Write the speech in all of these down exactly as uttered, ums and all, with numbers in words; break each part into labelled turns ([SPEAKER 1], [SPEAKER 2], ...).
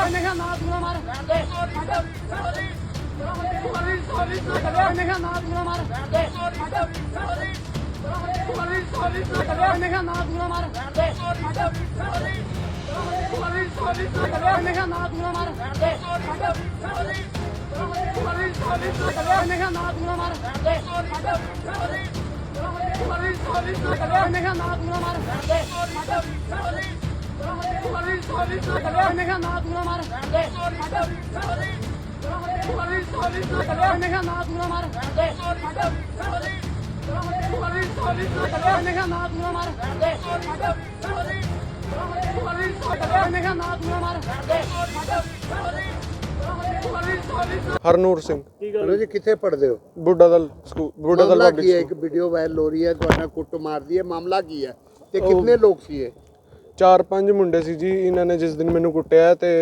[SPEAKER 1] हरनूर सिंह
[SPEAKER 2] जी कितने पढ़ते हो?
[SPEAKER 1] बूढ़ा दल स्कूल बूढ़ा दल
[SPEAKER 2] मामला की है एक वीडियो वायरल हो रही है ਤੁਹਾਡਾ ਕੁੱਟ ਮਾਰਦੀ ਹੈ ਮਾਮਲਾ ਕੀ ਹੈ ਤੇ ਕਿੰਨੇ ਲੋਕ ਸੀ ਇਹ?
[SPEAKER 1] ਚਾਰ ਪੰਜ ਮੁੰਡੇ ਸੀ ਜੀ। ਇਹਨਾਂ ਨੇ ਜਿਸ ਦਿਨ ਮੈਨੂੰ ਕੁੱਟਿਆ ਤੇ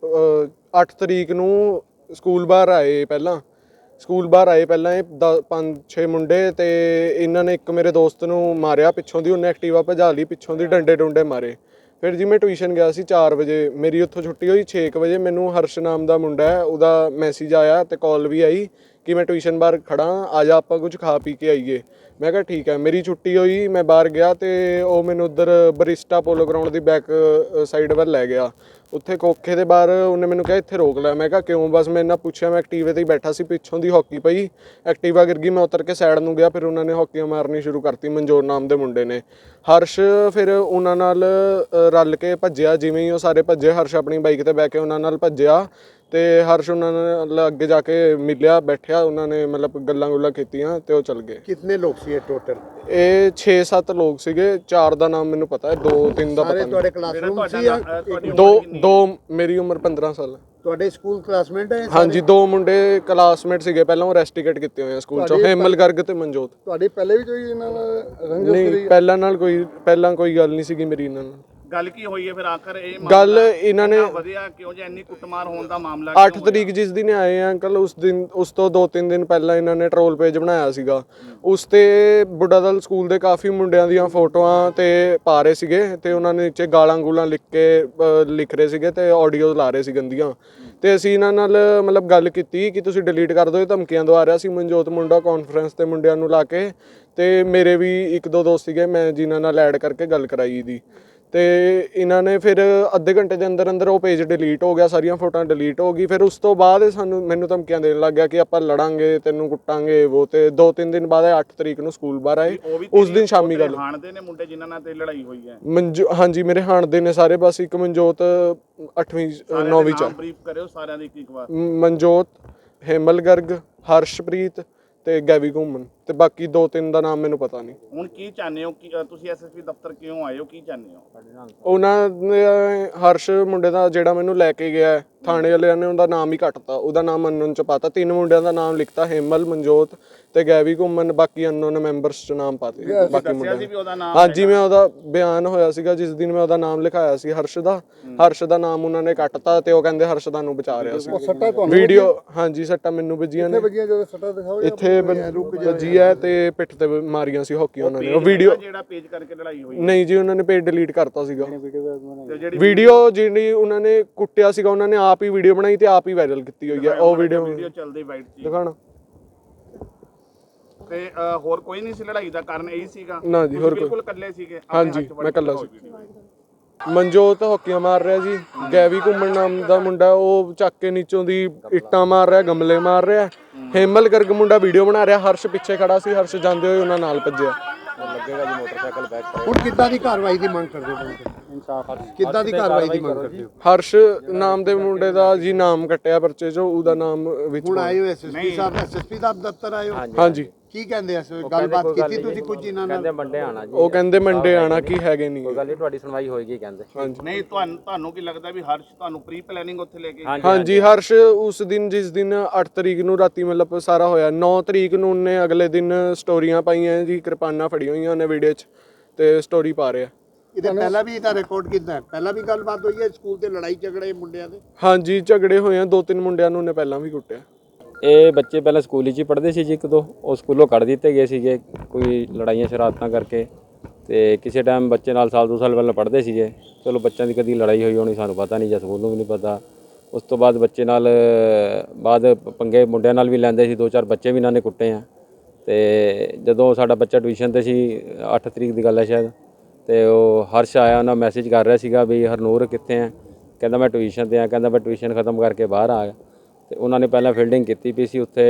[SPEAKER 1] ਅੱਠ ਤਰੀਕ ਨੂੰ ਸਕੂਲ ਬਾਹਰ ਆਏ ਪਹਿਲਾਂ ਸਕੂਲ ਬਾਹਰ ਆਏ ਪਹਿਲਾਂ ਇਹ ਪੰਜ ਛੇ ਮੁੰਡੇ ਤੇ ਇਹਨਾਂ ਨੇ ਇੱਕ ਮੇਰੇ ਦੋਸਤ ਨੂੰ ਮਾਰਿਆ ਪਿੱਛੋਂ ਦੀ। ਉਹਨੇ ਐਕਟਿਵਾ ਭਜਾ ਲਈ ਪਿੱਛੋਂ ਦੀ, ਡੰਡੇ ਡੁੰਡੇ ਮਾਰੇ। ਫਿਰ ਜੀ ਮੈਂ ਟਿਊਸ਼ਨ ਗਿਆ ਸੀ ਚਾਰ ਵਜੇ, ਮੇਰੀ ਉੱਥੋਂ ਛੁੱਟੀ ਹੋਈ ਛੇ ਕੁ ਵਜੇ। ਮੈਨੂੰ ਹਰਸ਼ ਨਾਮ ਦਾ ਮੁੰਡਾ ਹੈ, ਉਹਦਾ ਮੈਸੇਜ ਆਇਆ ਤੇ ਕਾਲ ਵੀ ਆਈ ਕਿ ਮੈਂ ਟਿਊਸ਼ਨ ਬਾਹਰ ਖੜਾ, ਆ ਜਾ ਆਪਾਂ ਕੁਝ ਖਾ ਪੀ ਕੇ ਆਈਏ। ਮੈਂ ਕਿਹਾ ਠੀਕ ਹੈ। ਮੇਰੀ ਛੁੱਟੀ ਹੋਈ, ਮੈਂ ਬਾਹਰ ਗਿਆ ਤੇ ਉਹ ਮੈਨੂੰ ਉੱਧਰ ਬਰਿਸਟਾ ਪੋਲੋ ਗਰਾਊਂਡ ਦੀ ਬੈਕ ਸਾਈਡ ਵੱਲ ਲੈ ਗਿਆ। ਉੱਥੇ ਕੋਖੇ ਦੇ ਬਾਹਰ ਉਹਨੇ ਮੈਨੂੰ ਕਿਹਾ ਇੱਥੇ ਰੋਕ ਲੈ। ਮੈਂ ਕਿਹਾ ਕਿਉਂ? ਬਸ ਮੈਂ ਇਹਨਾਂ ਪੁੱਛਿਆ। ਮੈਂ ਐਕਟੀਵੇ 'ਤੇ ਹੀ ਬੈਠਾ ਸੀ, ਪਿੱਛੋਂ ਦੀ ਹਾਕੀ ਪਈ, ਐਕਟੀਵਾ ਗਿਰ ਗਈ। ਮੈਂ ਉਤਰ ਕੇ ਸਾਈਡ ਨੂੰ ਗਿਆ, ਫਿਰ ਉਹਨਾਂ ਨੇ ਹਾਕੀਆਂ ਮਾਰਨੀ ਸ਼ੁਰੂ ਕਰਤੀ ਮਨਜੋਤ ਨਾਮ ਦੇ ਮੁੰਡੇ ਨੇ। ਹਰਸ਼ ਫਿਰ ਉਹਨਾਂ ਨਾਲ ਰਲ ਕੇ ਭੱਜਿਆ। ਜਿਵੇਂ ਹੀ ਉਹ ਸਾਰੇ ਭੱਜੇ, ਹਰਸ਼ ਆਪਣੀ ਬਾਈਕ 'ਤੇ ਬਹਿ ਕੇ ਉਹਨਾਂ ਨਾਲ ਭੱਜਿਆ ਤੇ ਹਰਸ਼ ਉਹਨਾਂ ਨਾਲ ਅੱਗੇ ਜਾ ਕੇ ਮਿਲਿਆ, ਬੈਠਿਆ। ਉਹਨਾਂ ਨੇ ਮਤਲਬ ਗੱਲਾਂ ਗੁੱਲਾਂ ਕੀਤੀਆਂ ਤੇ ਉਹ ਚੱਲ ਗਏ।
[SPEAKER 2] ਕਿੰਨੇ ਲੋਕ ਸੀ ਇਹ ਟੋਟਲ?
[SPEAKER 1] ਇਹ ਛੇ ਸੱਤ ਲੋਕ ਸੀਗੇ। ਚਾਰ ਦਾ ਨਾਮ ਮੈਨੂੰ ਪਤਾ ਹੈ, ਦੋ ਤਿੰਨ ਦਾ ਪਤਾ ਨਹੀਂ।
[SPEAKER 2] ਤੁਹਾਡੇ ਕਲਾਸਰੂਮ ਸੀ ਜਾਂ
[SPEAKER 1] ਦੋ ਦੋ ਮੇਰੀ ਉਮਰ ਪੰਦਰਾਂ ਸਾਲ ਹੈ।
[SPEAKER 2] ਤੁਹਾਡੇ ਸਕੂਲ ਕਲਾਸਮੇਟ ਹੈ?
[SPEAKER 1] ਹਾਂਜੀ, ਦੋ ਮੁੰਡੇ ਕਲਾਸਮੇਟ ਸੀਗੇ ਪਹਿਲਾਂ, ਉਹ ਰੈਸਟੀਕੇਟ ਕੀਤੇ ਹੋਏ ਆ ਸਕੂਲ ਚੋਂ, ਹੇਮਲ ਗਰਗ ਤੇ ਮਨਜੋਤ।
[SPEAKER 2] ਤੁਹਾਡੀ ਪਹਿਲੇ ਵੀ ਕੋਈ ਇਹਨਾਂ ਨਾਲ ਰੰਜਿਸ਼
[SPEAKER 1] ਨਹੀਂ, ਪਹਿਲਾਂ ਨਾਲ ਕੋਈ ਪਹਿਲਾਂ ਕੋਈ ਗੱਲ ਨਹੀਂ ਸੀਗੀ ਮੇਰੀ ਇਹਨਾਂ ਨਾਲ।
[SPEAKER 3] ਗੱਲ ਕੀ ਹੋਈ ਹੈ ਫਿਰ ਆਖਰ ਇਹ
[SPEAKER 1] ਗੱਲ ਇਹਨਾਂ ਨੇ
[SPEAKER 3] ਵਧਿਆ ਕਿਉਂ ਜੇ ਇੰਨੀ ਕੁੱਟਮਾਰ ਹੋਣ ਦਾ ਮਾਮਲਾ?
[SPEAKER 1] ਅੱਠ ਤਰੀਕ ਜਿਸ ਦਿਨ ਆਏ ਆ ਅੰਕਲ, ਉਸ ਦਿਨ ਉਸ ਤੋਂ ਦੋ ਤਿੰਨ ਦਿਨ ਪਹਿਲਾਂ ਇਹਨਾਂ ਨੇ ਟਰੋਲ ਪੇਜ ਬਣਾਇਆ ਸੀਗਾ। ਉਸ ਤੇ ਬੁੱਢਾ ਦਲ ਸਕੂਲ ਦੇ ਕਾਫੀ ਮੁੰਡਿਆਂ ਦੀਆਂ ਫੋਟੋਆਂ ਤੇ ਪਾ ਰਹੇ ਸੀਗੇ ਤੇ ਉਹਨਾਂ ਨੇ ਨੀਚੇ ਗਾਲਾਂ ਗੂਲਾਂ ਲਿਖ ਕੇ ਲਿਖ ਰਹੇ ਸੀਗੇ ਤੇ ਆਡੀਓ ਲਾ ਰਹੇ ਸੀ ਗੰਦੀਆਂ। ਤੇ ਅਸੀਂ ਇਹਨਾਂ ਨਾਲ ਮਤਲਬ ਗੱਲ ਕੀਤੀ ਕਿ ਤੁਸੀਂ ਡਿਲੀਟ ਕਰ ਦਿਓ, ਇਹ ਧਮਕੀਆਂ ਦਵਾ ਰਿਹਾ ਸੀ ਮਨਜੋਤ ਮੁੰਡਾ ਕਾਨਫਰੰਸ ਤੇ ਮੁੰਡਿਆਂ ਨੂੰ ਲਾ ਕੇ। ਤੇ ਮੇਰੇ ਵੀ ਇੱਕ ਦੋ ਦੋਸਤ ਸੀਗੇ, ਮੈਂ ਜਿਨ੍ਹਾਂ ਨਾਲ ਐਡ ਕਰਕੇ ਗੱਲ ਕਰਾਈ ਦੀ। ਤੇ ਇਹਨਾਂ ਨੇ ਫਿਰ ਅੱਧੇ ਘੰਟੇ ਦੇ ਅੰਦਰ ਅੰਦਰ ਉਹ ਪੇਜ ਡਿਲੀਟ ਹੋ ਗਿਆ, ਸਾਰੀਆਂ ਫੋਟੋਆਂ ਡਿਲੀਟ ਹੋ ਗਈ। ਫਿਰ ਉਸ ਤੋਂ ਬਾਅਦ ਸਾਨੂੰ ਮੈਨੂੰ ਧਮਕੀਆਂ ਦੇਣ ਲੱਗ ਗਿਆ ਕਿ ਆਪਾਂ ਲੜਾਂਗੇ, ਤੈਨੂੰ ਕੁੱਟਾਂਗੇ ਉਹ। ਤੇ ਦੋ ਤਿੰਨ ਦਿਨ ਬਾਅਦ ਅੱਠ ਤਰੀਕ ਨੂੰ ਸਕੂਲ ਬਾਹਰ ਆਏ। ਉਸ ਦਿਨ ਸ਼ਾਮੀ ਗੱਲ
[SPEAKER 3] ਹਾਣਦੇ ਨੇ ਮੁੰਡੇ ਜਿਨ੍ਹਾਂ ਨਾਲ ਤੇ ਲੜਾਈ ਹੋਈ ਹੈ?
[SPEAKER 1] ਮਨਜੋ ਹਾਂਜੀ ਮੇਰੇ ਹਾਣਦੇ ਨੇ ਸਾਰੇ। ਬਸ ਇੱਕ ਮਨਜੋਤ ਅੱਠਵੀਂ ਨੌਵੀਂ ਚ।
[SPEAKER 3] ਬਰੀਫ ਕਰਿਓ ਸਾਰਿਆਂ ਦੀ ਇੱਕ ਵਾਰ।
[SPEAKER 1] ਮਨਜੋਤ, ਹੇਮਲ ਗਰਗ, ਹਰਸ਼ਪ੍ਰੀਤ ਤੇ ਗੈਵੀ ਘੁੰਮਣ ਤੇ ਬਾਕੀ ਦੋ ਤਿੰਨ ਦਾ ਨਾਮ ਮੈਨੂੰ ਪਤਾ ਨਹੀਂ।
[SPEAKER 3] ਹੁਣ ਕੀ ਚਾਹੁੰਦੇ ਹੋ ਕਿ ਤੁਸੀਂ ਐਸਐਸਪੀ ਦਫ਼ਤਰ ਕਿਉਂ ਆਏ ਹੋ, ਕੀ ਚਾਹੁੰਦੇ ਹੋ?
[SPEAKER 1] ਉਹਨਾਂ ਨੇ ਹਰਸ਼ ਮੁੰਡੇ ਦਾ ਜਿਹੜਾ ਮੈਨੂੰ ਲੈ ਕੇ ਗਿਆ, ਥਾਣੇ ਵਾਲਿਆਂ ਨੇ ਉਹਦਾ ਨਾਮ ਹੀ ਕੱਟਤਾ, ਉਹਦਾ ਨਾਮ ਅਨਨੋਨ ਚ ਪਾਤਾ। ਤਿੰਨ ਮੁੰਡਿਆਂ ਦਾ ਨਾਮ ਲਿਖਤਾ, ਹੇਮਲ, ਮਨਜੋਤ ਤੇ ਗੈਵੀ ਘੁੰਮਣ। ਬਾਕੀ ਅਨਨੋਨ ਮੈਂਬਰਸ ਚ ਨਾਮ ਪਾਤੇ ਬਾਕੀ ਮੁੰਡਿਆਂ ਦੇ। ਹਾਂਜੀ, ਮੈਂ ਉਹਦਾ ਬਿਆਨ ਹੋਇਆ ਸੀਗਾ ਜਿਸ ਦਿਨ ਮੈਂ ਉਹਦਾ ਨਾਮ ਲਿਖਾਇਆ ਸੀ ਹਰਸ਼ ਦਾ। ਹਰਸ਼ ਦਾ ਨਾਮ ਉਹਨਾਂ ਨੇ ਕੱਟਤਾ ਤੇ ਉਹ ਕਹਿੰਦੇ ਹਰਸ਼ ਦਾ ਨੂੰ ਬਚਾ ਰਿਹਾ ਸੀ। ਵੀਡੀਓ ਹਾਂਜੀ ਸੱਟਾਂ ਮੈਨੂੰ ਵੱਜੀਆਂ ਨੇ, ਇੱਥੇ ਵੱਜੀ ਹੈ ਤੇ ਪਿੱਠ ਤੇ ਮਾਰੀਆਂ ਸੀ ਹਾਕੀ ਉਹਨਾਂ ਨੇ। ਉਹ ਵੀਡੀਓ
[SPEAKER 3] ਜਿਹੜਾ ਪੇਜ ਕਰਕੇ ਲੜਾਈ ਹੋਈ
[SPEAKER 1] ਨਹੀਂ ਜੀ, ਉਹਨਾਂ ਨੇ ਪੇਜ ਡਿਲੀਟ ਕਰਤਾ ਸੀਗਾ। ਵੀਡੀਓ ਜਿਹੜੀ ਉਹਨਾਂ ਨੇ ਕੁੱਟਿਆ ਸੀਗਾ, ਉਹਨਾਂ ਨੇ ਆਪ ਹੀ ਵੀਡੀਓ ਬਣਾਈ ਤੇ ਆਪ ਹੀ ਵਾਇਰਲ ਕੀਤੀ ਹੋਈ ਹੈ ਉਹ ਵੀਡੀਓ।
[SPEAKER 3] ਵੀਡੀਓ ਚੱਲਦੀ ਵਾਈਟ ਚ
[SPEAKER 1] ਦਿਖਾਣਾ।
[SPEAKER 3] ਤੇ ਹੋਰ ਕੋਈ ਨਹੀਂ ਸੀ ਲੜਾਈ ਦਾ ਕਾਰਨ ਇਹੀ ਸੀਗਾ?
[SPEAKER 1] ਨਾ ਜੀ, ਹੋਰ ਕੋਈ।
[SPEAKER 3] ਬਿਲਕੁਲ ਇਕੱਲੇ ਸੀਗੇ?
[SPEAKER 1] ਹਾਂਜੀ, ਮੈਂ ਇਕੱਲਾ ਸੀ। ਮਨਜੋਤ ਹਾਕੀਆਂ ਮਾਰ ਰਿਹਾ ਜੀ। ਗੈਵੀ ਘੁੰਮਣ ਨਾਮ ਦਾ ਮੁੰਡਾ ਉਹ ਚੱਕ ਕੇ ਨੀਚੋਂ ਦੀ ਇੱਟਾਂ ਮਾਰ ਰਿਹਾ, ਗਮਲੇ ਮਾਰ ਰਿਹਾ। ਹੇਮਲ ਗਰਗ ਮੁੰਡਾ ਵੀਡੀਓ ਬਣਾ ਰਿਹਾ। ਹਰਸ਼ ਪਿੱਛੇ ਖੜਾ ਸੀ, ਹਰਸ਼ ਜਾਂਦੇ ਹੋਏ ਉਹਨਾਂ ਨਾਲ ਭੱਜਿਆ।
[SPEAKER 2] ਲੱਗੇਗਾ ਜੀ ਮੋਟਰਸਾਈਕਲ ਬੈਕ। ਹੁਣ ਕਿੱਦਾਂ ਦੀ ਕਾਰਵਾਈ ਦੀ ਮੰਗ ਕਰਦੇ ਹੋ? ਇਨਸਾਫ ਕਿੱਦਾਂ ਦੀ ਕਾਰਵਾਈ ਦੀ ਮੰਗ ਕਰਦੇ ਹੋ?
[SPEAKER 1] ਹਰਸ਼ ਨਾਮ ਦੇ ਮੁੰਡੇ ਦਾ ਜੀ ਨਾਮ ਕੱਟਿਆ ਪਰਚੇ ਚੋਂ, ਉਹਦਾ ਨਾਮ ਵਿੱਚ।
[SPEAKER 2] ਹੁਣ ਆਏ ਹੋ ਐਸਐਸਪੀ ਸਾਹਿਬ, ਐਸਐਸਪੀ ਦਾ ਦਫ਼ਤਰ ਆਏ ਹੋ?
[SPEAKER 1] ਹਾਂਜੀ।
[SPEAKER 2] ਕੀ ਕਹਿੰਦੇ ਐ? ਗੱਲਬਾਤ ਕੀਤੀ ਤੁਸੀਂ ਕੁਝ ਇਹਨਾਂ ਨਾਲ?
[SPEAKER 4] ਕਹਿੰਦੇ ਮੰਡੇ ਆਣਾ ਜੀ।
[SPEAKER 1] ਉਹ ਕਹਿੰਦੇ ਮੰਡੇ ਆਣਾ, ਕੀ ਹੈਗੇ ਨਹੀਂ।
[SPEAKER 4] ਕੋਈ ਗੱਲ ਨਹੀਂ, ਤੁਹਾਡੀ ਸੁਣਵਾਈ ਹੋਏਗੀ ਕਹਿੰਦੇ।
[SPEAKER 1] ਹਾਂਜੀ।
[SPEAKER 3] ਨਹੀਂ ਤੁਹਾਨੂੰ ਤੁਹਾਨੂੰ ਕੀ ਲੱਗਦਾ ਵੀ ਹਰਸ਼ ਤੁਹਾਨੂੰ ਪ੍ਰੀ ਪਲੈਨਿੰਗ ਉੱਥੇ ਲੈ ਕੇ?
[SPEAKER 1] ਹਾਂਜੀ, ਹਰਸ਼ ਉਸ ਦਿਨ ਜਿਸ ਦਿਨ ਅੱਠ ਤਰੀਕ ਨੂੰ ਰਾਤੀ ਮਤਲਬ ਸਾਰਾ ਹੋਇਆ, ਨੌ ਤਰੀਕ ਨੂੰ ਉਹਨੇ ਅਗਲੇ ਦਿਨ ਸਟੋਰੀਆਂ ਪਾਈਆਂ ਜੀ, ਕਿਰਪਾਨਾਂ ਫੜੀਆਂ ਹੋਈਆਂ ਉਹਨੇ ਵੀਡੀਓ 'ਚ ਤੇ ਸਟੋਰੀ ਪਾ ਰਿਹਾ।
[SPEAKER 2] ਇਹਦੇ ਪਹਿਲਾਂ ਵੀ ਇਹਦਾ ਰਿਕਾਰਡ ਕੀਤਾ ਹੈ? ਪਹਿਲਾਂ ਵੀ ਗੱਲਬਾਤ ਹੋਈ ਹੈ ਸਕੂਲ ਤੇ ਲੜਾਈ ਝਗੜੇ ਮੁੰਡਿਆਂ ਦੇ?
[SPEAKER 1] ਹਾਂਜੀ, ਝਗੜੇ ਹੋਏ ਆ। ਦੋ ਤਿੰਨ ਮੁੰਡਿਆਂ ਨੂੰ ਉਹਨੇ ਪਹਿਲਾਂ ਵੀ ਕੁੱਟਿਆ।
[SPEAKER 4] ਇਹ ਬੱਚੇ ਪਹਿਲਾਂ ਸਕੂਲ ਵਿੱਚ ਹੀ ਪੜ੍ਹਦੇ ਸੀ ਜੀ, ਇੱਕ ਦੋ ਉਹ ਸਕੂਲੋਂ ਕੱਢ ਦਿੱਤੇ ਗਏ ਸੀਗੇ ਕੋਈ ਲੜਾਈਆਂ ਸ਼ਰਾਰਤਾਂ ਕਰਕੇ। ਤੇ ਕਿਸੇ ਟਾਈਮ ਬੱਚੇ ਨਾਲ ਸਾਲ ਦੋ ਸਾਲ ਪਹਿਲਾਂ ਪੜ੍ਹਦੇ ਸੀਗੇ। ਚਲੋ ਬੱਚਿਆਂ ਦੀ ਕਦੀ ਲੜਾਈ ਹੋਈ ਹੋਣੀ ਸਾਨੂੰ ਪਤਾ ਨਹੀਂ, ਜਾਂ ਸਕੂਲ ਨੂੰ ਵੀ ਨਹੀਂ ਪਤਾ। ਉਸ ਤੋਂ ਬਾਅਦ ਬੱਚੇ ਨਾਲ ਬਾਅਦ ਪੰਗੇ ਮੁੰਡਿਆਂ ਨਾਲ ਵੀ ਲੈਂਦੇ ਸੀ, ਦੋ ਚਾਰ ਬੱਚੇ ਵੀ ਇਹਨਾਂ ਨੇ ਕੁੱਟੇ ਆ। ਤੇ ਜਦੋਂ ਸਾਡਾ ਬੱਚਾ ਟਿਊਸ਼ਨ ਤੇ ਸੀ, ਅੱਠ ਤਰੀਕ ਦੀ ਗੱਲ ਹੈ ਸ਼ਾਇਦ, ਤੇ ਉਹ ਹਰਸ਼ ਆਇਆ, ਉਹਨਾਂ ਮੈਸੇਜ ਕਰ ਰਿਹਾ ਸੀਗਾ ਵੀ ਹਰਨੂਰ ਕਿੱਥੇ ਆ। ਕਹਿੰਦਾ ਮੈਂ ਟਿਊਸ਼ਨ ਤੇ ਆ, ਕਹਿੰਦਾ ਮੈਂ ਟਿਊਸ਼ਨ ਖਤਮ ਕਰਕੇ ਬਾਹਰ ਆ ਗਿਆ। ਤੇ ਉਹਨਾਂ ਨੇ ਪਹਿਲਾਂ ਫੀਲਡਿੰਗ ਕੀਤੀ ਪਈ ਸੀ ਉੱਥੇ,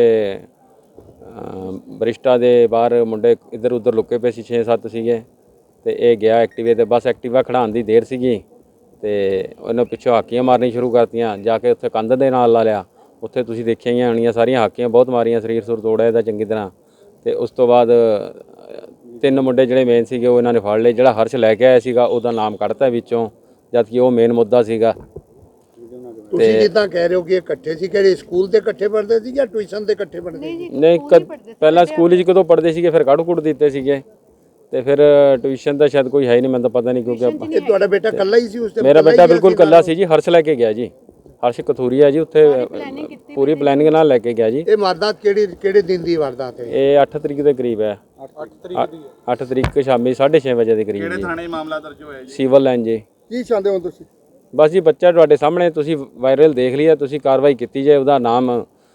[SPEAKER 4] ਬਰਿਸ਼ਟਾ ਦੇ ਬਾਹਰ ਮੁੰਡੇ ਇੱਧਰ ਉੱਧਰ ਲੁਕੇ ਪਏ ਸੀ, ਛੇ ਸੱਤ ਸੀਗੇ। ਤੇ ਇਹ ਗਿਆ ਐਕਟਿਵੇ ਤੇ, ਬਸ ਐਕਟਿਵਾ ਖੜਾਉਣ ਦੀ ਦੇਰ ਸੀਗੀ ਤੇ ਉਹਨੇ ਪਿੱਛੋਂ ਹਾਕੀਆਂ ਮਾਰਨੀ ਸ਼ੁਰੂ ਕਰਤੀਆਂ। ਜਾ ਕੇ ਉੱਥੇ ਕੰਧ ਦੇ ਨਾਲ ਲਾ ਲਿਆ, ਉੱਥੇ ਤੁਸੀਂ ਦੇਖਿਆ ਹੀ ਹੋਣੀਆਂ ਸਾਰੀਆਂ ਹਾਕੀਆਂ ਬਹੁਤ ਮਾਰੀਆਂ, ਸਰੀਰ ਸੁਰ ਤੋੜਿਆ ਇਹਦਾ ਚੰਗੀ ਤਰ੍ਹਾਂ। ਤੇ ਉਸ ਤੋਂ ਬਾਅਦ ਤਿੰਨ ਮੁੰਡੇ ਜਿਹੜੇ ਮੇਨ ਸੀਗੇ ਉਹ ਇਹਨਾਂ ਨੇ ਫੜ ਲਏ। ਜਿਹੜਾ ਹਰਸ਼ ਲੈ ਕੇ ਆਇਆ ਸੀਗਾ ਉਹਦਾ ਨਾਮ ਕੱਢਤਾ ਵਿੱਚੋਂ, ਜਦ ਕਿ ਉਹ ਮੇਨ ਮੁੱਦਾ ਸੀਗਾ।
[SPEAKER 2] ਤੁਸੀਂ ਜਿੱਦਾਂ ਕਹਿ ਰਹੇ ਹੋ ਕਿ ਇਕੱਠੇ ਸੀ, ਕਿਹੜੇ ਸਕੂਲ ਦੇ ਇਕੱਠੇ ਪੜ੍ਹਦੇ ਸੀ ਜਾਂ ਟਿਊਸ਼ਨ ਦੇ ਇਕੱਠੇ ਪੜ੍ਹਦੇ ਸੀ?
[SPEAKER 4] ਨਹੀਂ, ਪਹਿਲਾਂ ਸਕੂਲ ਵਿੱਚ ਕਦੋਂ ਪੜ੍ਹਦੇ ਸੀਗੇ, ਫਿਰ ਕੱਢ ਕੁੱਟ ਦਿੱਤੇ ਸੀਗੇ, ਤੇ ਫਿਰ ਟਿਊਸ਼ਨ ਦਾ ਸ਼ਾਇਦ ਕੋਈ ਹੈ ਹੀ ਨਹੀਂ, ਮੈਨੂੰ ਤਾਂ ਪਤਾ ਨਹੀਂ, ਕਿਉਂਕਿ ਆਪਾਂ
[SPEAKER 2] ਇਹ ਤੁਹਾਡਾ ਬੇਟਾ ਇਕੱਲਾ ਹੀ ਸੀ ਉਸ ਤੇ?
[SPEAKER 4] ਮੇਰਾ ਬੇਟਾ ਬਿਲਕੁਲ ਇਕੱਲਾ ਸੀ ਜੀ, ਹਰਸ਼ ਲੈ ਕੇ ਗਿਆ ਜੀ, ਹਰਸ਼ ਕਥੂਰੀਆ ਜੀ, ਉੱਥੇ ਪੂਰੀ ਪਲੈਨਿੰਗ ਨਾਲ ਲੈ ਕੇ ਗਿਆ ਜੀ।
[SPEAKER 2] ਇਹ ਵਾਰਦਾਤ ਕਿਹੜੀ ਕਿਹੜੇ ਦਿਨ ਦੀ ਵਾਰਦਾਤ ਹੈ?
[SPEAKER 4] ਇਹ ਅੱਠ ਤਰੀਕ ਦੇ ਕਰੀਬ ਹੈ, ਅੱਠ ਤਰੀਕ ਸ਼ਾਮੀ ਸਾਢੇ ਛੇ ਵਜੇ ਦੇ ਕਰੀਬ
[SPEAKER 3] ਕਿਹੜੇ
[SPEAKER 4] ਜੀ।
[SPEAKER 3] ਥਾਣੇ ਮਾਮਲਾ ਦਰਜ ਹੋਇਆ ਜੀ?
[SPEAKER 4] ਸਿਵਲ ਲਾਈਨ ਜੀ।
[SPEAKER 2] ਕੀ ਚਾਹੁੰਦੇ ਹੋ ਤੁਸੀਂ?
[SPEAKER 4] ਬਸ ਜੀ ਬੱਚਾ ਤੁਹਾਡੇ ਸਾਹਮਣੇ, ਤੁਸੀਂ ਵਾਇਰਲ ਦੇਖ ਲਿਆ, ਤੁਸੀਂ ਕਾਰਵਾਈ ਕੀਤੀ ਜਾਏ, ਉਹਦਾ ਨਾਮ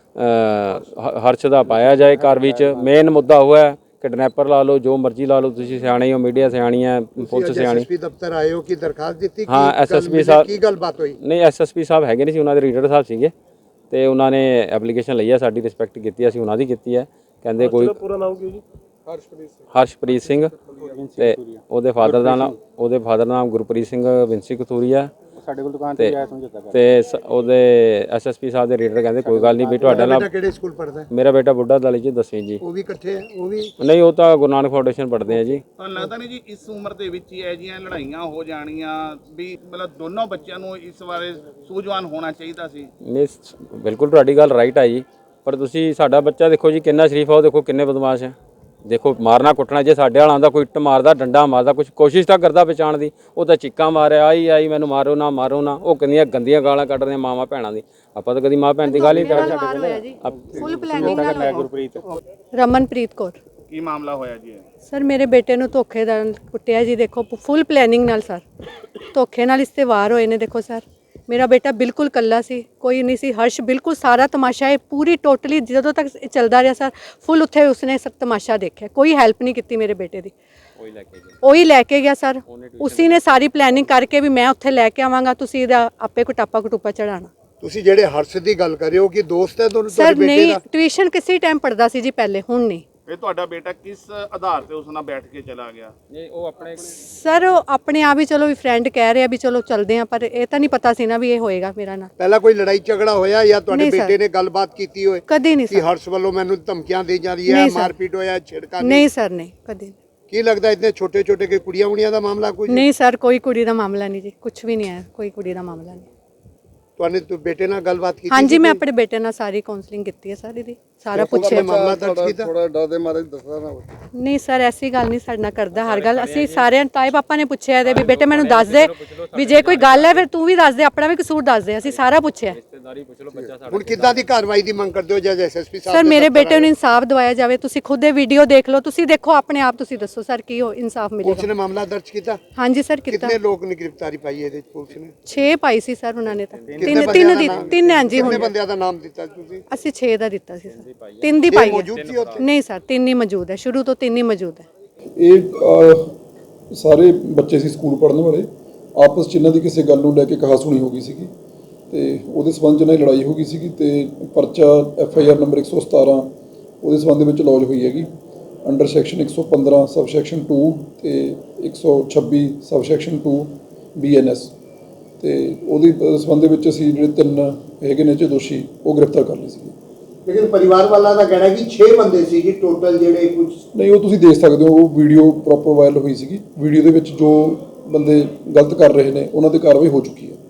[SPEAKER 4] ਹਰਸ਼ ਦਾ ਪਾਇਆ ਜਾਏ ਕਾਰਵਾਈ 'ਚ। ਮੇਨ ਮੁੱਦਾ ਉਹ ਹੈ, ਕਿਡਨੈਪਰ ਲਾ ਲਓ, ਜੋ ਮਰਜ਼ੀ ਲਾ ਲਓ, ਤੁਸੀਂ ਸਿਆਣੇ ਹੋ, ਮੀਡੀਆ ਸਿਆਣੀ ਹੈ, ਪੁਲਿਸ ਸਿਆਣੀ।
[SPEAKER 2] ਐਸਐਸਪੀ ਦਫ਼ਤਰ ਆਏ ਹੋ ਕਿ ਦਰਖਾਸਤ ਦਿੱਤੀ?
[SPEAKER 4] ਹਾਂ, ਐਸਐਸਪੀ ਸਾਹਿਬ
[SPEAKER 2] ਕੀ ਗੱਲਬਾਤ ਹੋਈ?
[SPEAKER 4] ਨਹੀਂ, ਐਸਐਸਪੀ ਸਾਹਿਬ ਹੈਗੇ ਨਹੀਂ ਸੀ, ਉਹਨਾਂ ਦੇ ਰੀਡਰ ਸਾਹਿਬ ਸੀਗੇ, ਤੇ ਉਹਨਾਂ ਨੇ ਐਪਲੀਕੇਸ਼ਨ ਲਈ ਹੈ, ਸਾਡੀ ਰਿਸਪੈਕਟ ਕੀਤੀ, ਅਸੀਂ ਉਹਨਾਂ ਦੀ ਕੀਤੀ ਹੈ। ਕਹਿੰਦੇ ਕੋਈ
[SPEAKER 1] ਪੂਰਾ ਨਾਮ ਕੀ ਜੀ? ਹਰਸ਼ਪ੍ਰੀਤ ਸਿੰਘ।
[SPEAKER 4] ਹਰਸ਼ਪ੍ਰੀਤ ਸਿੰਘ, ਤੇ ਉਹਦੇ ਫਾਦਰ ਦਾ ਨਾਮ ਉਹਦੇ ਫਾਦਰ ਦਾ ਨਾਮ ਗੁਰਪ੍ਰੀਤ ਸਿੰਘ ਵਿੰਸੀ ਕਥੂਰੀਆ। ਸਾਡੇ ਕੋਲ ਦੁਕਾਨ ਤੇ ਆਇਆ ਸਮਝੌਤਾ ਕਰ, ਤੇ ਉਹਦੇ ਐਸਐਸਪੀ ਸਾਹਿਬ ਦੇ ਰੀਡਰ ਕਹਿੰਦੇ ਕੋਈ ਗੱਲ ਨਹੀਂ ਵੀ ਤੁਹਾਡਾ ਨਾਲ।
[SPEAKER 2] ਕਿਹੜੇ ਸਕੂਲ ਪੜ੍ਹਦਾ ਹੈ?
[SPEAKER 4] ਮੇਰਾ ਬੇਟਾ ਬੁੱਢਾ ਦਲ ਜੀ, ਦਸਵੀਂ ਜੀ।
[SPEAKER 2] ਉਹ ਵੀ ਇਕੱਠੇ ਹੈ? ਉਹ ਵੀ
[SPEAKER 4] ਨਹੀਂ, ਉਹ ਤਾਂ ਗੁਰੂ ਨਾਨਕ ਫਾਊਂਡੇਸ਼ਨ ਪੜ੍ਹਦੇ ਆ ਜੀ।
[SPEAKER 3] ਤੁਹਾਨੂੰ ਲੱਗਦਾ ਨਹੀਂ ਜੀ ਇਸ ਉਮਰ ਦੇ ਵਿੱਚ ਹੀ ਇਹ ਜਿਹੀਆਂ ਲੜਾਈਆਂ ਹੋ ਜਾਣੀਆਂ ਵੀ ਮਤਲਬ ਦੋਨੋਂ ਬੱਚਿਆਂ ਨੂੰ ਇਸ ਬਾਰੇ ਸੂਝਵਾਨ ਹੋਣਾ ਚਾਹੀਦਾ ਸੀ?
[SPEAKER 4] ਨਹੀਂ, ਬਿਲਕੁਲ ਤੁਹਾਡੀ ਗੱਲ ਰਾਈਟ ਹੈ ਜੀ, ਪਰ ਤੁਸੀਂ ਸਾਡਾ ਬੱਚਾ ਦੇਖੋ ਜੀ ਕਿੰਨਾ ਸ਼ਰੀਫ ਆ, ਉਹ ਦੇਖੋ ਕਿੰਨੇ ਬਦਮਾਸ਼ ਹੈ। ਦੇਖੋ ਮਾਰਨਾ ਕੁੱਟਣਾ, ਜੇ ਸਾਡੇ ਵਾਲਾ ਆਉਂਦਾ ਕੋਈ ਇੱਟ ਮਾਰਦਾ, ਡੰਡਾ ਮਾਰਦਾ, ਕੁਝ ਕੋਸ਼ਿਸ਼ ਤਾਂ ਕਰਦਾ ਬਚਾਉਣ ਦੀ, ਉਹ ਤਾਂ ਚੀਕਾਂ ਮਾਰਿਆ, ਆਈ ਆਈ ਮੈਨੂੰ ਮਾਰੋ ਨਾ ਮਾਰੋ ਨਾ। ਉਹ ਕਿੰਨੀਆਂ ਗੰਦੀਆਂ ਗਾਲਾਂ ਕੱਢ ਰਹੀਆਂ ਮਾਵਾਂ ਭੈਣਾਂ ਦੀ। ਆਪਾਂ ਤਾਂ ਕਦੀ ਮਾਂ ਭੈਣ ਦੀ ਗੱਲ ਹੀ ਨਹੀਂ ਕਰਦੇ।
[SPEAKER 5] ਫੁੱਲ ਪਲੈਨਿੰਗ ਨਾਲ ਗੁਰਪ੍ਰੀਤ ਰਮਨਪ੍ਰੀਤ ਕੌਰ।
[SPEAKER 3] ਕੀ ਮਾਮਲਾ ਹੋਇਆ ਜੀ?
[SPEAKER 5] ਸਰ ਮੇਰੇ ਬੇਟੇ ਨੂੰ ਧੋਖੇ ਨਾਲ ਕੁੱਟਿਆ ਜੀ, ਦੇਖੋ ਫੁੱਲ ਪਲੈਨਿੰਗ ਨਾਲ ਸਰ, ਧੋਖੇ ਨਾਲ ਇਸ ਤੇ ਵਾਰ ਹੋਏ ਨੇ। ਦੇਖੋ ਸਰ ਮੇਰਾ ਬੇਟਾ ਬਿਲਕੁਲ ਕੱਲਾ ਸੀ, ਕੋਈ ਨਹੀਂ ਸੀ। ਹਰਸ਼ ਬਿਲਕੁਲ ਸਾਰਾ ਤਮਾਸ਼ਾ ਇਹ ਪੂਰੀ ਟੋਟਲੀ ਜਦੋਂ ਤੱਕ ਇਹ ਚੱਲਦਾ ਰਿਹਾ ਸਰ, ਫੁੱਲ ਉੱਥੇ ਉਸਨੇ ਸਭ ਤਮਾਸ਼ਾ ਦੇਖਿਆ, ਕੋਈ ਹੈਲਪ ਨਹੀਂ ਕੀਤੀ ਮੇਰੇ ਬੇਟੇ ਦੀ। ਉਹੀ ਲੈ ਕੇ ਗਿਆ ਸਰ, ਉਸੀ ਨੇ ਸਾਰੀ ਪਲੈਨਿੰਗ ਕਰਕੇ ਵੀ ਮੈਂ ਉੱਥੇ ਲੈ ਕੇ ਆਵਾਂਗਾ, ਤੁਸੀਂ ਇਹਦਾ ਆਪੇ ਕੁਟਾਪਾ ਕਟੂਪਾ ਚੜਾਣਾ।
[SPEAKER 2] ਤੁਸੀਂ ਜਿਹੜੇ ਹਰਸ਼ ਦੀ ਗੱਲ ਕਰ ਰਹੇ ਹੋ ਕਿ ਦੋਸਤ ਹੈ ਦੋਨੋਂ
[SPEAKER 5] ਸਰ?
[SPEAKER 2] ਤੁਹਾਡੇ ਬੇਟੇ
[SPEAKER 5] ਨਹੀਂ,
[SPEAKER 2] ਦਾ?
[SPEAKER 5] ਟਿਊਸ਼ਨ ਕਿਸੇ ਟਾਈਮ ਪੜਦਾ ਸੀ ਜੀ ਪਹਿਲੇ, ਹੁਣ ਨਹੀਂ।
[SPEAKER 3] ਇਹ ਤੁਹਾਡਾ ਬੇਟਾ ਕਿਸ ਆਧਾਰ ਤੇ ਉਸ ਨਾਲ ਬੈਠ ਕੇ ਚਲਾ ਗਿਆ?
[SPEAKER 4] ਨਹੀਂ, ਉਹ ਆਪਣੇ
[SPEAKER 5] ਸਰ ਉਹ ਆਪਣੇ ਆਪ ਹੀ ਚਲੋ ਵੀ ਫਰੈਂਡ ਕਹਿ ਰਿਹਾ ਵੀ ਚਲੋ ਚੱਲਦੇ ਆ, ਪਰ ਇਹ ਤਾਂ ਨਹੀਂ ਪਤਾ ਸੀ ਨਾ ਵੀ ਇਹ ਹੋਏਗਾ ਮੇਰਾ ਨਾਲ।
[SPEAKER 2] ਪਹਿਲਾਂ ਕੋਈ ਲੜਾਈ ਝਗੜਾ ਹੋਇਆ ਜਾਂ ਤੁਹਾਡੇ
[SPEAKER 5] ਨਹੀਂ ਸਰ।
[SPEAKER 2] ਬੇਟੇ ਨੇ ਗੱਲਬਾਤ ਕੀਤੀ ਹੋਏ
[SPEAKER 5] ਕਦੀ ਨਹੀਂ
[SPEAKER 2] ਕਿ
[SPEAKER 5] ਸਰ।
[SPEAKER 2] ਹਰਸ਼ ਵੱਲੋਂ ਮੈਨੂੰ ਧਮਕੀਆਂ ਦੇ ਜਾ ਰਹੀ ਹੈ,
[SPEAKER 5] ਨਹੀਂ ਸਰ।
[SPEAKER 2] ਮਾਰਪੀਟ ਹੋਇਆ, ਛਿੜਕਾ?
[SPEAKER 5] ਨਹੀਂ ਸਰ, ਨਹੀਂ ਕਦੀ।
[SPEAKER 2] ਕੀ ਲੱਗਦਾ ਇਤਨੇ ਛੋਟੇ ਛੋਟੇ ਕਿ ਕੁੜੀਆਂ ਕੁੜੀਆਂ ਦਾ ਮਾਮਲਾ ਕੋਈ?
[SPEAKER 5] ਨਹੀਂ ਸਰ, ਕੋਈ ਕੁੜੀ ਦਾ ਮਾਮਲਾ ਨਹੀਂ ਜੀ, ਕੁਝ ਵੀ ਨਹੀਂ ਹੈ, ਕੋਈ ਕੁੜੀ ਦਾ ਮਾਮਲਾ ਨਹੀਂ।
[SPEAKER 2] ਤੁਹਾਨੇ ਤੂੰ ਬੇਟੇ ਨਾਲ ਗੱਲਬਾਤ ਕੀਤੀ?
[SPEAKER 5] ਹਾਂਜੀ, ਮੈਂ ਆਪਣੇ ਬੇਟੇ ਨਾਲ ਸਾਰੀ ਕਾਉਂਸਲਿੰਗ ਕੀਤੀ ਹੈ ਸਾਰੀ ਦੀ, ਸਾਰਾ ਪੁੱਛਿਆ।
[SPEAKER 2] ਮਾਮਲਾ ਦਰਜ ਕੀਤਾ?
[SPEAKER 1] ਥੋੜਾ ਡਰ ਦੇ ਮਾਰੇ ਦੱਸਦਾ ਨਾ।
[SPEAKER 5] ਨਹੀਂ ਸਰ, ਐਸੀ ਗੱਲ ਨਹੀਂ ਸਾਡੇ ਨਾਲ ਕਰਦਾ ਹਰ ਗੱਲ। ਅਸੀਂ ਸਾਰਿਆਂ ਤਾਏ ਪਾਪਾ ਨੇ ਪੁੱਛਿਆ ਇਹਦੇ ਵੀ ਬੇਟੇ ਮੈਨੂੰ ਦੱਸ ਦੇ, ਵੀ ਜੇ ਕੋਈ ਗੱਲ ਹੈ ਫਿਰ ਤੂੰ ਵੀ ਦੱਸ ਦੇ, ਆਪਣਾ ਵੀ ਕਸੂਰ ਦੱਸ ਦੇ, ਅਸੀਂ ਸਾਰਾ ਪੁੱਛਿਆ।
[SPEAKER 2] ਹੁਣ ਕਿੱਦਾਂ ਦੀ ਕਾਰਵਾਈ ਦੀ ਮੰਗ ਕਰਦੇ ਹੋ ਜੱਜ ਐਸਐਸਪੀ ਸਾਹਿਬ?
[SPEAKER 5] ਸਰ ਮੇਰੇ ਬੇਟੇ ਨੂੰ ਇਨਸਾਫ ਦਿਵਾਇਆ ਜਾਵੇ। ਤੁਸੀਂ ਖੁਦ ਇਹ ਵੀਡੀਓ ਦੇਖ ਲਓ, ਤੁਸੀਂ ਦੇਖੋ ਆਪਣੇ ਆਪ, ਤੁਸੀਂ ਦੱਸੋ ਸਰ ਕੀ ਹੋ ਇਨਸਾਫ
[SPEAKER 2] ਪੁਲਿਸ
[SPEAKER 5] ਮਿਲੇਗਾ?
[SPEAKER 2] ਨੇ ਮਾਮਲਾ ਦਰਜ ਕੀਤਾ?
[SPEAKER 5] ਹਾਂਜੀ ਸਰ, ਕੀਤਾ।
[SPEAKER 2] ਕਿੰਨੇ ਲੋਕ ਨੇ ਗ੍ਰਿਫਤਾਰੀ ਪਾਈ ਇਹਦੇ ਵਿੱਚ ਪੁਲਿਸ ਨੇ?
[SPEAKER 5] ਛੇ ਪਾਈ ਸੀ ਸਰ ਉਹਨਾਂ ਨੇ ਤਾਂ,
[SPEAKER 2] ਕਿੰਨੇ
[SPEAKER 5] ਤਿੰਨ
[SPEAKER 2] ਬੰਦਿਆਂ
[SPEAKER 5] ਤਿੰਨ
[SPEAKER 2] ਦਾ
[SPEAKER 5] ਦੀ
[SPEAKER 2] ਨਾਮ-
[SPEAKER 5] ਤਿੰਨ ਹਾਂਜੀ
[SPEAKER 2] ਕਿੰਨੇ
[SPEAKER 5] ਹੁਣ
[SPEAKER 2] ਬੰਦਿਆਂ ਦਾ ਨਾਮ ਦਿੱਤਾ ਤੁਸੀਂ?
[SPEAKER 5] ਅਸੀਂ ਛੇ ਦਾ ਦਿੱਤਾ ਸੀ ਸਰ, ਤਿੰਨ ਦੀ ਪਾਈ
[SPEAKER 2] ਮੌਜੂਦ ਸੀ
[SPEAKER 5] ਹੈ।
[SPEAKER 2] ਉੱਥੇ?
[SPEAKER 5] ਨਹੀਂ ਸਰ, ਤਿੰਨ ਹੀ ਮੌਜੂਦ ਹੈ, ਸ਼ੁਰੂ ਤੋਂ ਤਿੰਨ ਹੀ ਮੌਜੂਦ ਹੈ।
[SPEAKER 6] ਇਹ ਅਹ, ਸਾਰੇ ਬੱਚੇ ਸੀ ਸਕੂਲ ਪੜ੍ਹਨ ਵਾਲੇ, ਆਪਸ 'ਚ ਇਹਨਾਂ ਦੀ ਕਿਸੇ ਗੱਲ ਨੂੰ ਲੈ ਕੇ ਕਹਾਸੁਣੀ ਹੋ ਗਈ ਸੀਗੀ, ਤੇ ਉਹਦੇ ਸਬੰਧ 'ਚ ਇਹਨਾਂ ਦੀ ਲੜਾਈ ਹੋ ਗਈ ਸੀਗੀ, ਤੇ ਪਰਚਾ ਐਫ ਆਈ ਆਰ ਨੰਬਰ ਇੱਕ ਸੌ ਸਤਾਰਾਂ ਉਹਦੇ ਸਬੰਧ ਦੇ ਵਿੱਚ ਲੌਜ ਹੋਈ ਹੈਗੀ ਅੰਡਰ ਸੈਕਸ਼ਨ ਇੱਕ ਸੌ ਪੰਦਰਾਂ ਸਬ ਸੈਕਸ਼ਨ ਟੂ ਤੇ ਇੱਕ ਸੌ ਛੱਬੀ sub section two B N S, ਤੇ ਉਹਦੀ ਸਬੰਧ ਦੇ ਵਿੱਚ ਅਸੀਂ ਜਿਹੜੇ ਤਿੰਨ ਹੈਗੇ ਨੇ ਚ ਦੋਸ਼ੀ ਉਹ ਗ੍ਰਿਫਤਾਰ ਕਰ ਲਏ ਸੀਗੇ।
[SPEAKER 2] ਲੇਕਿਨ ਪਰਿਵਾਰ ਵਾਲਾ ਦਾ ਕਹਿਣਾ ਕਿ ਛੇ ਬੰਦੇ ਸੀ ਜੀ ਟੋਟਲ ਜਿਹੜੇ ਕੁਝ।
[SPEAKER 6] ਨਹੀਂ, ਉਹ ਤੁਸੀਂ ਦੇਖ ਸਕਦੇ ਹੋ, ਉਹ ਵੀਡੀਓ ਪ੍ਰੋਪਰ ਵਾਇਰਲ ਹੋਈ ਸੀਗੀ। ਵੀਡੀਓ ਦੇ ਵਿੱਚ ਜੋ ਬੰਦੇ ਗਲਤ ਕਰ ਰਹੇ ਨੇ ਉਹਨਾਂ ਤੇ ਕਾਰਵਾਈ ਹੋ ਚੁੱਕੀ ਹੈ।